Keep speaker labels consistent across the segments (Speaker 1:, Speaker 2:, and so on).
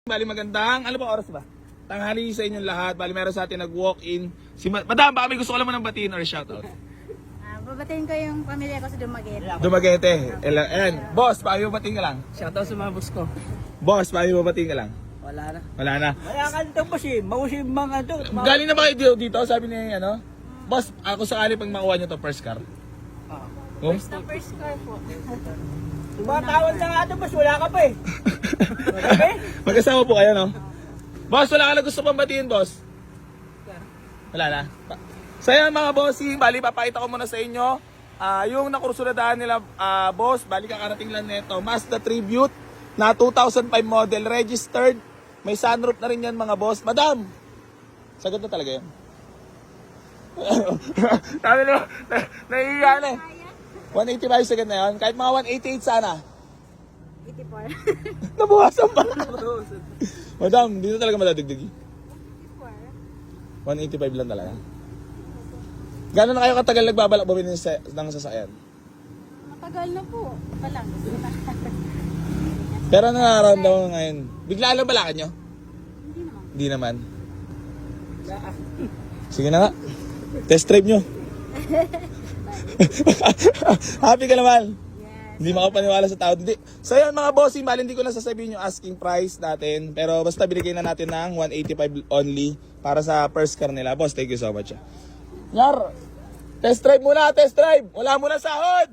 Speaker 1: Bali magandang, ano ba oras ba? Tanghali sa inyong lahat. Bali meron sa atin nag-walk-in. Madam, baka may gusto ko lang mo ng batiin or shoutout.
Speaker 2: Babatiin ko yung pamilya ko sa Dumaguete.
Speaker 1: Dumaguete. Ayan. Boss, baka may batiin ka lang.
Speaker 3: Shoutout sa mga boss ko.
Speaker 1: Boss, baka may batiin ka lang.
Speaker 3: Wala na.
Speaker 1: Wala na.
Speaker 3: Wala ka dito boss eh. Mausim mga to.
Speaker 1: Galing na ba kayo dito? Sabi ni ano? Boss, ako sakali pag makuha nyo to first car. Oh?
Speaker 2: Sa first car po.
Speaker 3: Tumatawad na nga to boss. Wala ka pa eh. Wala ka eh.
Speaker 1: Magkasama po kayo, no? Boss, wala ka na gusto pang batiin, boss? Wala na. So yan mga bossing, bali papakita ko muna sa inyo yung nakursuladaan nila, boss. Bali kakarating lang nito. Mazda Tribute na 2005 model, registered. May sunroof na rin yan mga boss. Madam, sagot na talaga yun. Sabi nyo, naiiya na eh. 185 sagad na yun. Kahit mga 188 sana.
Speaker 2: 84.
Speaker 1: Nabukasan pa. Madam, dito talaga madadagdag. 185 lang talaga. Gano'n na kayo katagal nagbabalak bumili ng sasakyan?
Speaker 2: Matagal na po. Palang.
Speaker 1: Pero nararamdaman mo ngayon, bigla lang balakad nyo?
Speaker 2: Hindi naman.
Speaker 1: Hindi naman. Sige na nga. Test drive nyo. Happy ka naman?
Speaker 2: Yes.
Speaker 1: Hindi makapaniwala sa tao. Hindi. So yan mga bossing, bali hindi ko na sasabihin yung asking price natin. Pero basta binigay na natin ng 185 only para sa first car nila. Boss, thank you so much. Yar, test drive muna, test drive. Wala muna sahod.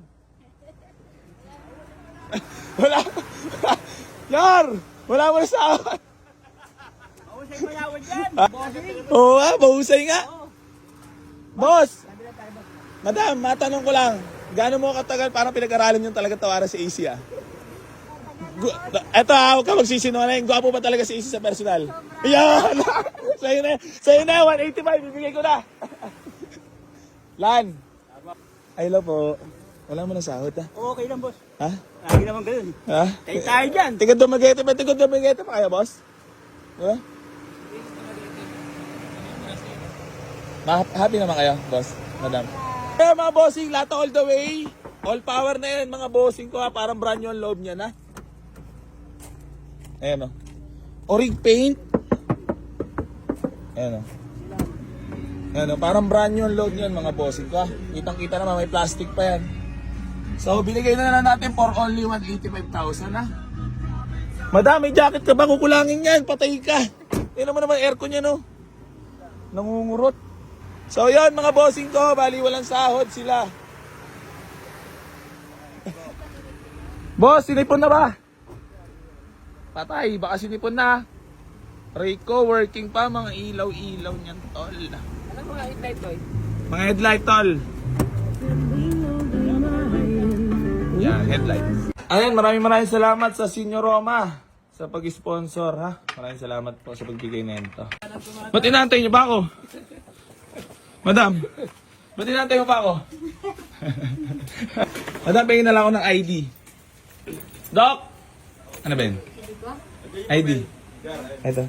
Speaker 1: Wala. Yar, wala muna sahod.
Speaker 3: Mausim malawad yan. Bossing.
Speaker 1: Oo nga, mahusay nga. Boss, madam, matanong ko lang. Gaano mo katagal parang pinag-aralan yung talaga tawaran si AC ah? Eto ha, huwag ka magsisinungaling. Gwapo ba talaga si AC sa personal? Yan! Sa'yo na, 185, bibigay ko na. Lan, ay hello po. Wala mo na sahod ha?
Speaker 3: Okay lang boss.
Speaker 1: Ha?
Speaker 3: Lagi naman ganun.
Speaker 1: Ha?
Speaker 3: Tayo tayo dyan.
Speaker 1: Tigod Dumaguete ba? Tigod Dumaguete pa kaya boss? Ha? Happy naman kayo, boss, madam. Kaya mga bossing, lahat all the way. All power na yan, mga bossing ko ha. Parang brand new ang loob niya na. Ayan o. Orig paint. Ayan o. Ayan o. Parang brand new ang loob niyan, mga bossing ko ha. Kitang kita naman, may plastic pa yan. So, binigay na lang natin for only 185,000 ha. Madam, may jacket ka ba? Kukulangin yan. Patay ka. Tignan mo naman aircon yan o. Nangungurot. So yun mga bossing ko, bali walang sahod sila. Boss, sinipon na ba? Patay, baka sinipon na. Rico, working pa, mga ilaw-ilaw niyan, tol.
Speaker 3: Ano mga headlight boy?
Speaker 1: Mga headlight, tol. Yan, headlights. Ayan, maraming salamat sa Senior Roma sa pag-sponsor, ha. Maraming salamat po sa pagbigay na ito. Ba't inaantay niyo ba ako? Madam, ba't inaantay mo pa ako? Madam, pahingin na lang ako ng ID. Doc! Ano ba yun? ID. Ito.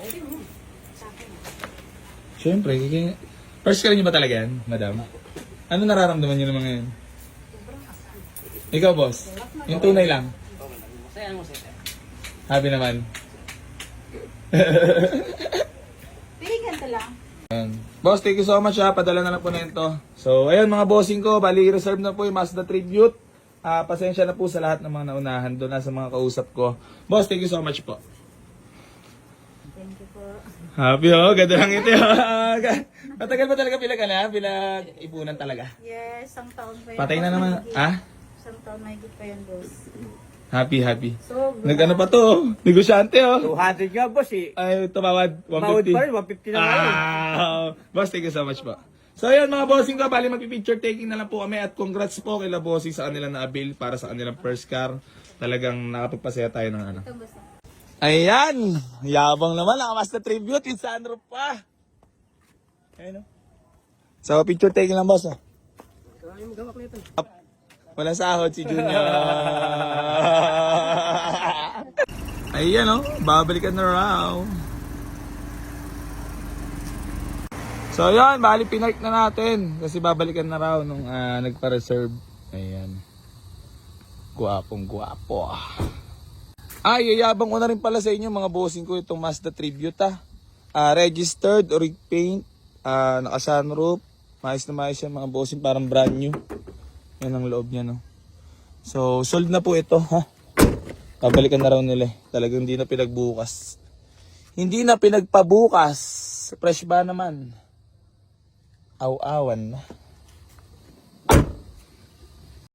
Speaker 1: Siyempre, first ka rin nyo ba talaga yan, madam? Ano nararamdaman nyo naman ngayon? Ikaw, boss? Yung tunay lang? Happy naman.
Speaker 2: Piligan ka lang.
Speaker 1: Boss, thank you so much ha. Padala na lang po na ito. So, ayun mga bossing ko. Bali, reserve na po yung Mazda Tribute. Pasensya na po sa lahat ng mga naunahan doon na sa mga kausap ko. Boss, thank you so much po.
Speaker 2: Thank you po.
Speaker 1: Happy oh. Ganda lang ito. Matagal ba talaga pinag-ipunan talaga?
Speaker 2: Yes, isang taon pa yun.
Speaker 1: Patay na naman. Ha?
Speaker 2: Isang taon mahigit pa yun, boss.
Speaker 1: Happy.
Speaker 2: So,
Speaker 1: Nag-ano pa to? Negosyante oh.
Speaker 3: 200 nga boss eh.
Speaker 1: Ay, tumawad. 150.
Speaker 3: Mawad pa rin, 150 na nga.
Speaker 1: Boss, thank you so much po. So ayun mga bossing ko, bali magpi-picture taking na lang po kami at congrats po kila bossing sa kanilang na-avail para sa kanilang first car. Talagang nakapagpasaya tayo ng ano.
Speaker 2: ito, boss.
Speaker 1: Ayan, yabang naman, Mazda Tribute, yung sunroof pa. Ayun oh. So picture taking lang boss oh. Walang sahod si Junior. Ayan oh, babalikan na raw. So yan, bali pinark na natin kasi babalikan na raw nung nagpa-reserve. Ayan. Guwapong guwapo. Ay, yayabang ko na rin pala sa inyo mga bossing ko itong Mazda Tribute registered, oric paint, naka-sunroof, maayos na maayos yan mga bossing, parang brand new. Yan ang loob niya, no. So, sold na po ito, ha. Pabalikan na raw nila eh. Talagang hindi na pinagbukas. Hindi na pinagpabukas. Fresh ba naman? Aw-awan na.